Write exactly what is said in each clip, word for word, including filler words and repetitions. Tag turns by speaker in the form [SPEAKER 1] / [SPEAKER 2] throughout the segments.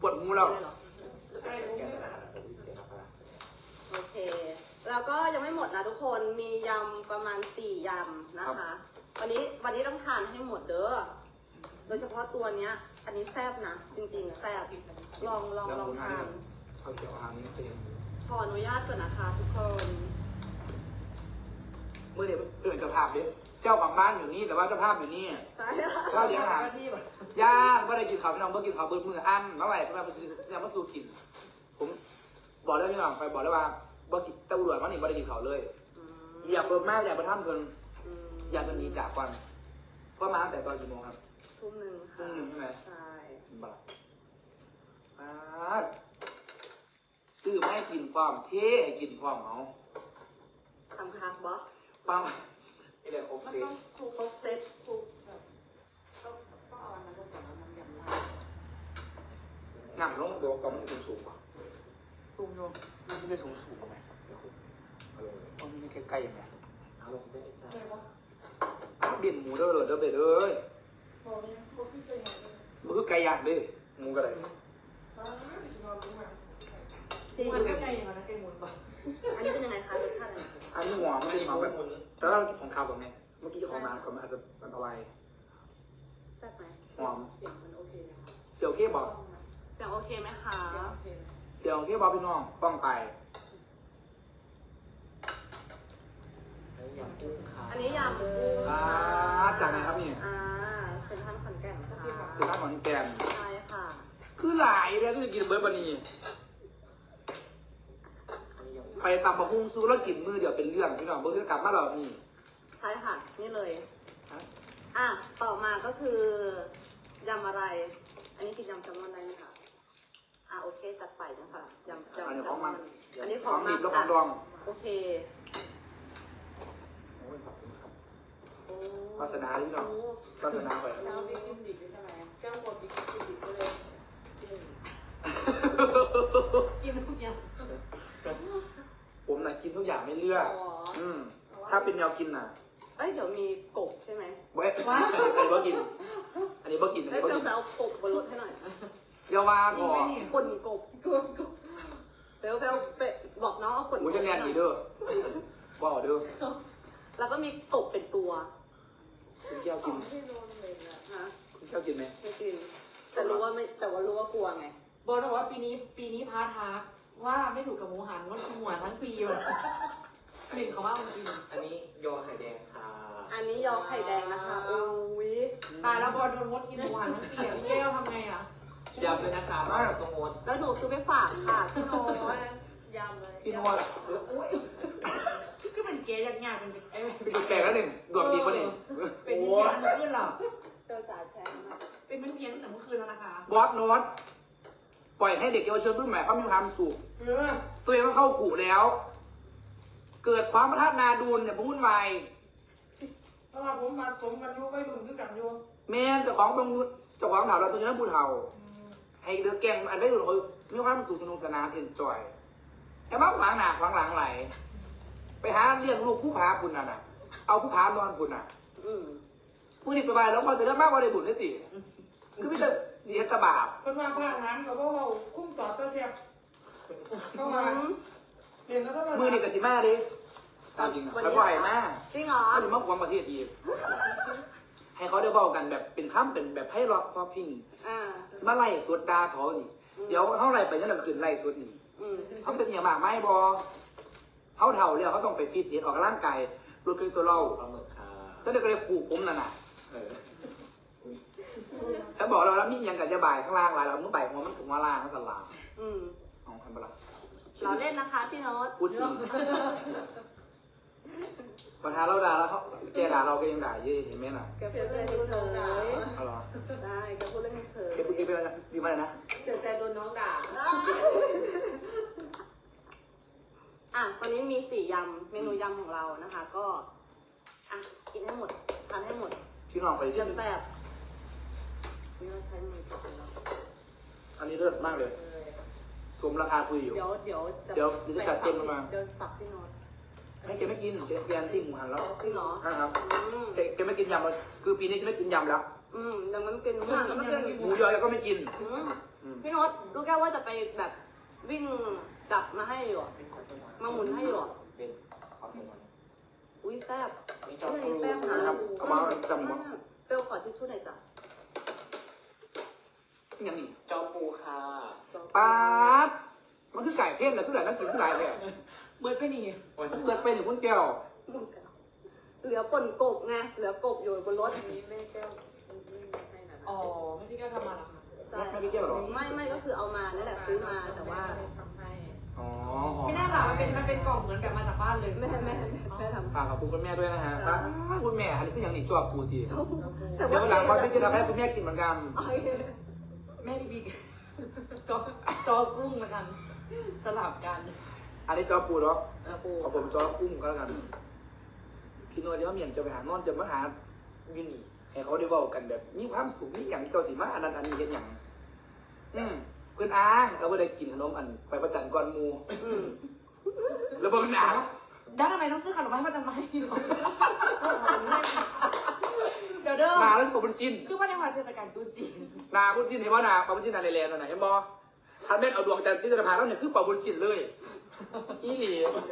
[SPEAKER 1] ปวดหูแล้ว
[SPEAKER 2] โอเคแล้วก็ยังไม่หมดนะทุกคนมียำประมาณสี่ยำนะคะวันนี้วันนี้ต้องทานให้หมดเด้อโดยเฉพาะตัวเนี้ยอันนี้แซ่บนะจริงๆแซ่บลองลองลองทาน
[SPEAKER 1] เอาเกี่ยวหางนี้เต็ม
[SPEAKER 2] ขออนุญาตก่อนนะคะทุกคน
[SPEAKER 1] เมื่อเดี๋ยวเปลี่ยนเจ้าภาพดิเจ้าของบ้านอยู่นี่แต่ว่าเจ้าภาพอยู่นี่
[SPEAKER 2] ใช่
[SPEAKER 1] ข้าวเลี้ยงอาหารย่างไม่ได้กินข้าวพี่น้องเมื่อกินข้าวเบิดมืออันเมื่อไหร่เมื่อไหร่ยังมาสู่กินผมบอกแล้วพี่น้องไปบอกแล้วว่าบ่กินตะอุ่นวันนี้ไม่ได้กินข้าวเลยอยากเบิดมากอยากไปทำเพิ่นอยากเป็นนี้จากก่อนก็มาตั้งแต่ตอนกี่โมงครับ
[SPEAKER 2] ทุ่มหนึ่ง
[SPEAKER 1] ทุ่มหนึ่งใช่ไหม
[SPEAKER 2] ใช่
[SPEAKER 1] บ้าซื้อไม่กินความเท่ให้กินความเอา
[SPEAKER 2] ทำคักบ่
[SPEAKER 1] ปัง
[SPEAKER 3] นี่เลยครบเซต
[SPEAKER 2] ถูกครบเซ็ตถูก
[SPEAKER 4] แบบก็ก็เอาอันนั้นก็แต่ว่ามันยำลา
[SPEAKER 1] หนังลงเดี๋ยวกำมันสูงสูงป่ะสูงอยู่มันไม่ได้สูงสูงไหมมันไม่ใกล้ๆยังไง
[SPEAKER 3] เอาลงได้จ้
[SPEAKER 1] ะเบี่ยนหมูเด้อเลยเด้อเบ็ดเอ้ย
[SPEAKER 4] บอกเลยบอกพี่เป็นยังไง
[SPEAKER 1] มันคือไก่ย่างดิหมูกระไร
[SPEAKER 4] จริงมันก็ไก่อย่างนั้นไก่หมุนป่ะ
[SPEAKER 2] อันนี้เป็นยังไงคะรสชาติอะไร
[SPEAKER 1] อันนี้หัวไม่ได้มาแบบแต่ว่าของข้าวแบบนี้เมื่อกี้ของมาของมันอาจจะมันเอาไว้
[SPEAKER 2] แซ่บไหม
[SPEAKER 1] หอม
[SPEAKER 4] เสียงมันโอเคไหมคะ
[SPEAKER 1] เสียวเคบอก
[SPEAKER 2] เสียงโอเคไหมคะ
[SPEAKER 1] เสียวเคบอกพี่น้องป้องไป
[SPEAKER 3] ยำกุ้งค่ะ
[SPEAKER 2] อันนี้ยำกุ้ง
[SPEAKER 1] อ่าจากไหนครับนี่
[SPEAKER 2] อ่าเป็นท่านขอนแก่นค่ะ
[SPEAKER 1] เสียท่านขอนแก่น
[SPEAKER 2] ใช่ค่ะ
[SPEAKER 1] คือหลายเลยก็จะกินเบอร์บานีไปตำบะฮุ่งซูแล้วกินมือเดี๋ยวเป็นเรื่องพี่น้องเบอร์จะกลับมาหรอนี่
[SPEAKER 2] ใช่ค่ะนี่เลยอ่ะต่อมาก็คือยำอะไรอันนี้คือยำแซลมอนได้ไหมคะอ่ะโอเคจัดไปนะคะยำยำ
[SPEAKER 1] อันนี้ของมัน
[SPEAKER 2] อันนี้ของมัน
[SPEAKER 1] แล้วของดอง
[SPEAKER 2] โอเค
[SPEAKER 1] วาสนาพี่น้องวาสนาไป
[SPEAKER 4] แล้วบิ๊กกินดิบเป็นอะไรแก้วหมดบิ๊กกินดิบก็เลยกินทุกอย่าง
[SPEAKER 1] ผมน่ะกินทุกอย่างไม่เลือกอืมถ้าเป็นแนวกินน่ะ
[SPEAKER 2] เอ้ยเดี๋ยวมีกบใช่ไหม
[SPEAKER 1] เว้ยอันนี้บ่กินอันนี้บ่กินอันนี้บ่กิน
[SPEAKER 2] เอากบบนรถให้หน่อย
[SPEAKER 1] เยาวาก่อน
[SPEAKER 2] คนกบกบกบเบลเบลไปบอกน้องเอาคน
[SPEAKER 1] กูจะเรียนดีเด้อว้าวเด้อ
[SPEAKER 2] แล้วก็มีกบเป็นตัว
[SPEAKER 1] คุณเจ้ากิน
[SPEAKER 2] ฮะ
[SPEAKER 1] คุณเจ้ากินไหม
[SPEAKER 2] ไม่กินแต่รู้ว่าไม่แต่ว่ารู้ว่ากลัวไง
[SPEAKER 4] บอกเลยว่าปีนี้ปีนี้พาทาว่าไม่ถูกกับหมูหันงดกินหมูหันทั้งปีเลยกลิ่นเขาว่ามันกิน
[SPEAKER 3] อันนี้ยอไข่แดงค่ะ
[SPEAKER 2] อันนี้ยอไข่แดงนะคะโอ้ย
[SPEAKER 4] ตายแล้วบอลโดนงดกินหมูหันทั้งปีพี่แก้วทำไงอ่ะ
[SPEAKER 3] ยำเลยนะคะมาตรงงด
[SPEAKER 2] แล้วหนูซื้อไปฝากค่ะพี่โน้ต
[SPEAKER 4] ยำเลย
[SPEAKER 1] พี่โน้ต
[SPEAKER 4] ก็เป็นเกย์ยากๆเป็นไอ้
[SPEAKER 1] เป็นแก่แล้วหนึ่งดวงดีกว่าหนึ่ง
[SPEAKER 4] เป็นเพี้ยนเมื่อคืนหรอ
[SPEAKER 2] เจ้าจ๋าแชร์มา
[SPEAKER 4] เป็นมันเพี้ยนแต่เมื่อคืนแล้วนะคะ
[SPEAKER 1] บอสโน้ตปล่อยให้เด็กเยาวชนรุ่นใหม่เขามีความสุขตัวเองก็เข้ากุแล้ว เกิดความประทัดนาดูนเนี่ยพุ่นวาย
[SPEAKER 5] เพราะว่าผมมาสมกันอยู่ไม่รุ่นคือกันอยู่
[SPEAKER 1] แม่เจ้าของตรงเจ้าของเถาเราตัวนี้นั่นพูดเถาให้เด็กแก่งอันไม่รุ่นเขามีความสุขสนุกสนานเอ็นจอยแต่บ้าขวางหนาขวางหลังไหลไปหาเลี้ยงลูกผู้พาคุณน่ะนะเอาผู้พานอนคุณน่ะผู้นี้ไปไปแล้วเขาจะได้มากกว่าในบุญได้ตีคือไม่ได้เสียตะบาป
[SPEAKER 5] เป็นว่าผ้าหางเขาบอกว่าคุ้มต่อตะเสียบเข้ามาเห็นแล้วก็
[SPEAKER 1] มือนี่กับสิมาดิตามจริงแล้วก็ไอ้มา
[SPEAKER 2] จริงเหรอ
[SPEAKER 1] เขาจะมาความประเทศอีกให้เขาได้เบากันแบบเป็นข้ามเป็นแบบให้รอพอพิงสมาไล่สวดดาเขานี่เดี๋ยวเขาไล่ไปยังหลังคืนไล่สวดนี่เขาเป็นอย่างมากไม่บอเขาเท่าเลยเขาต้องไปฟิตเนสออกกำลังกายลดคตัวเราฉันเด็กก็เลยปลูกผมนั่นน่ะฉันบอกเราแล้วนี่ยังกับจะบ่ายข้างล่างอะไรเราเมื่อบ่ายหัวมันถึงว่าล่างมันสลาอืมเอาทำไปละ
[SPEAKER 2] เราเล่นนะคะพี่โน้ต
[SPEAKER 1] พูดจริงประธานเราด่าแล้วเขาแกด่าเราก็ยังด่าเยอะเห็นไหมน่ะ
[SPEAKER 2] แกพูดเล่นเฉย
[SPEAKER 1] เอาหรอ
[SPEAKER 2] ได้แกพูดเล่นเฉย
[SPEAKER 1] แกพูดแกเป็นอะไรดีมากนะ
[SPEAKER 2] เสียใจโดนน้องด่าอ่ะตอนนี้มีสี่ยำเมนูยำของเรานะคะ ก็อ่ะกินให้หมดทานให้หมด
[SPEAKER 1] พี่น้องไปเช่น
[SPEAKER 2] แบบนี่เราใช้มือจับแล้ว
[SPEAKER 1] อันนี้เลิศมากเลยสมราคาคุยอยู่
[SPEAKER 2] เดี๋ยวเดี๋ยว
[SPEAKER 1] เดี๋ยวจะจัดเต็มมา
[SPEAKER 2] เดินฝักพี่โน้ต
[SPEAKER 1] ให้แกไม่กินแกแกนติ้งหมูหันแล้ว
[SPEAKER 2] จริงเหรอ
[SPEAKER 1] ครับแกแกไม่กินยำคือปีนี้จะไม่กินยำแล้ว
[SPEAKER 2] อืมยังไม่กินหมูหันแล้วไม่กิน
[SPEAKER 1] หมูยอก็ไม่กิน
[SPEAKER 2] อืมพี่โน้ตลูกแก้วว่าจะไปแบบวิ่งกลับมาให้อยู่อะมาหมุนให้อยู่อะ
[SPEAKER 3] เป็นขอตัวก่อน
[SPEAKER 2] อุ้ยแซ่บ
[SPEAKER 3] นี่จอ
[SPEAKER 2] อุ้ย
[SPEAKER 3] ปู
[SPEAKER 2] แซ่บนะ
[SPEAKER 1] นะครับเอามาจำ
[SPEAKER 2] ม
[SPEAKER 1] ก่อน
[SPEAKER 2] ากเปรี้ยวขอทิชชู่หน่อยจ้ะ
[SPEAKER 1] อย่างนี้
[SPEAKER 3] จอปูค่ะ
[SPEAKER 1] ปาดมันคือไก่เพ่นเหรอคือไก่นักกินคือไก่แท้
[SPEAKER 4] เบิร์ดไปนี่
[SPEAKER 1] เกิดเป็นอย่างคุณแก้ว
[SPEAKER 2] เหลือป่นกบไงเหลือกบอยู่บนรถ
[SPEAKER 5] นี้แม่แก้วไม่ให้นะ
[SPEAKER 4] อ๋อไม่พี่แก้วทำมาเหรอคะ
[SPEAKER 2] ใช่
[SPEAKER 1] ไม่พี่แก้วหรอ
[SPEAKER 2] ไม่ไม่ก็คือเอามานั่นแหละซื้อมาแต่ว่า
[SPEAKER 5] ทำให้
[SPEAKER 1] อ๋อ
[SPEAKER 4] ไม่น่าหรอกมันเป็นมันเป็นกล่องเหมือนแบบมาจากบ้านเลย
[SPEAKER 2] แม่แม่แม่แม่ทำ
[SPEAKER 1] ฝากขอบคุณคุณแม่ด้วยนะฮะป้าดคุณแม่ อันนี้คืออย่างนี้จอบปูที
[SPEAKER 2] แต่
[SPEAKER 1] เดี๋ยว
[SPEAKER 2] ว่า
[SPEAKER 1] วันหลังวันพี่จะทำให้คุณแม่กินเหมือนกัน
[SPEAKER 2] โอเค
[SPEAKER 4] แม่พี่บิ๊กจอจอกุ้งมากันสลับกัน
[SPEAKER 1] อันนี้จอบปูเนาะ
[SPEAKER 4] เออปู
[SPEAKER 1] ขอผมจอบกุ้งก็แล้วกัน พี่โน้ตจะมาเมียนจะไปหานอนจะมาหายูนี่ให้เขาได้เว้ากันแบบมีความสุขมีอย่างเก่าสิมาอันนั้นอันนี้เห็นอย่างอืมเพื่อนอ้างเอาไปได้กินขนมอันไปประจันก่อนหมู
[SPEAKER 2] อืม
[SPEAKER 1] แล้วเบิ่งหนา
[SPEAKER 4] ด้านทำไมต้องซื้อขนมมาให้มาจำไม่หรอเดี๋ยวเด้อ
[SPEAKER 1] หนาแล้วปะบุญจิน
[SPEAKER 4] คือว่าในวันเทศกาลตรุ๊จีน
[SPEAKER 1] หนาบุญจินเห็นว่าหนาปะบุญจินนาเลแลนด์น่ะเห็นบ่ทันแม่นเอาดวงจันทร์ที่จะพาแล้วเนี่ยคือปะบุญจินเลยอีหลี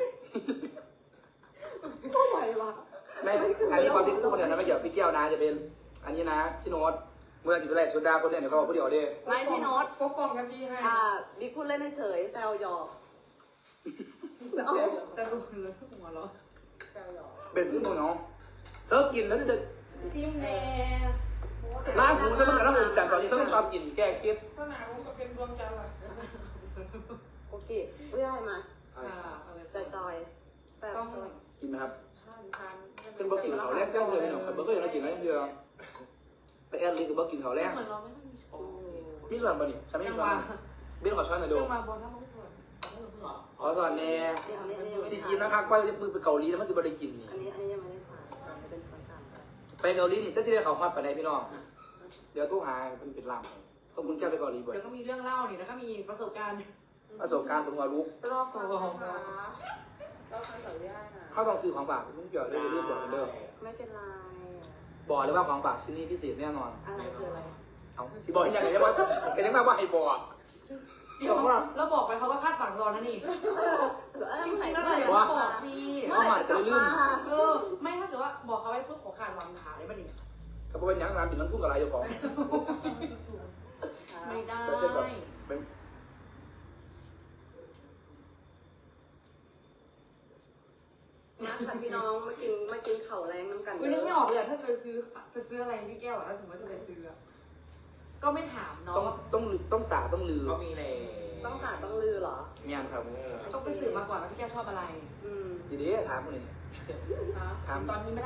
[SPEAKER 2] ไม่ไหวว่ะ
[SPEAKER 1] แม่อันนี้ความที่พูดเนี่ยนะไม่เกี่ยวกับพี่แก้วนะจะเป็น อันนี้นะพี่โน้ตเมื่อสิบเป็นไรสุดาคนเนี่ยเดี๋ยวเขาบอกผู้เดียวเด้
[SPEAKER 2] ไม่พี่โน้ต
[SPEAKER 5] ปกป้องกันที่ให้
[SPEAKER 2] อ่าบิ๊กพูดเล่นเฉยๆแซวหยอกเอา
[SPEAKER 4] แต่รู้เลยหัวเราะ
[SPEAKER 5] แก้วหยอก
[SPEAKER 1] เป็นพี่โน้ตเนาะเลิกกินแล้วจะ
[SPEAKER 4] ทีมแน่
[SPEAKER 1] ล้างหูจะต้องการล้างหูจันทร์ตอนนี้ต้องตามกินแก้เครียด
[SPEAKER 5] ถ้าหนาวก็เป็นดวงจันทร์ล่ะ
[SPEAKER 2] โอเคไม่ได้มา
[SPEAKER 4] อ่าเอาเลย
[SPEAKER 2] จอยๆแซ่บ
[SPEAKER 4] ต้อง
[SPEAKER 1] กินไหมครับ
[SPEAKER 5] ทานทาน
[SPEAKER 1] เป็นบะกินเขาแรกแก้วเดียวพี่น้องครับเบอร์ก็อย่างไรกินแล้วอย่างเดียวไปแอดลิงกับบะกินเขาแรก
[SPEAKER 4] เหมือนเราไม่ค่อยมีช้อน
[SPEAKER 1] มีส่วนบ่นี่ฉันไม่
[SPEAKER 4] จั
[SPEAKER 1] มี
[SPEAKER 4] ง
[SPEAKER 1] ส่
[SPEAKER 4] ห
[SPEAKER 1] วน
[SPEAKER 4] วะ
[SPEAKER 1] เบนขอช้อนหน่อยดู
[SPEAKER 4] จังหวะบอลถ้าไม่ส่วน
[SPEAKER 1] ขอส่วนแน่
[SPEAKER 2] นี่อันนี้อันนี้ยังไม่
[SPEAKER 1] สิ
[SPEAKER 2] ได้
[SPEAKER 1] กินนะครับว่าจะมือไปเกาหลีแล้วมันสิบ่ได้กินนี่
[SPEAKER 2] อันนี้อันนี้ยังไม่ได้ใช้อันนี้เป็นช้อนกลาง
[SPEAKER 1] ไปเกาหลีนี่จะจะได้เขาฮอดไปไหนพี่น้องเดี๋ยวโทรหาเป็นเป็นลำขอบคุณแก้วไปเกาหลีบ่อย
[SPEAKER 4] เดี๋ยวก็มีเรื่องเล่านี่แล้วก็มีประสบการณ์
[SPEAKER 1] ประสบการณ์ผมว่ารู้
[SPEAKER 2] รอบฟังนะคะรอบฟังขออนุญาตนะ
[SPEAKER 1] เขาต้องซื้อของฝากลุงเกี่ยวได้ไปรูปบอกกันเด้อ
[SPEAKER 2] ไม่เป็นไร
[SPEAKER 1] บอกเลยว่าของฝากชิ้นนี้พิเศษแน่นอน
[SPEAKER 2] อะไรคืออะไร
[SPEAKER 1] เอาสิบอกยังไงยังว่าแกยังมาว่าให้บอก
[SPEAKER 4] เดี๋ยวเราบอกไปเขาก็คาดหวังรอนะนี่ จริงๆแล้วเราอย่าเพิ่งบอกสิ
[SPEAKER 1] เอามาจะได้ลืม
[SPEAKER 4] เออ ไม่ถ้าเกิดว่าบอกเขาไว้เพื่อขอขาดหวังขาเลยป่ะนี่
[SPEAKER 1] ก็เป็นอย่างนั้นบินมันพุ่งกับอะไรอยู่ของ
[SPEAKER 4] ไม่ได้
[SPEAKER 1] แต่เช่นแบบเป็น
[SPEAKER 2] นะค่ะพี่น้องมากินมากินเข่าแรงน้ำกัน
[SPEAKER 4] อุ้ยนึกไม่ออกเลยอะถ้าจะซื้อจะซื้ออะไรให้พี่แก้วอะถ้าสมมติว่าจะไปซื้ออะก็ไม่ถามเนาะ
[SPEAKER 1] ต้องต้องต้องสาต้องลือ
[SPEAKER 3] ก็มีเลย
[SPEAKER 2] ต้องสาต้องลือเหรอ
[SPEAKER 1] เมียนครับ
[SPEAKER 4] ต้องไปสืบมาก่อนว่าพี่แก้วชอบอะไร
[SPEAKER 2] อืม
[SPEAKER 1] ทีนี้ถามคนนี้
[SPEAKER 4] นะตอนนี้ไม่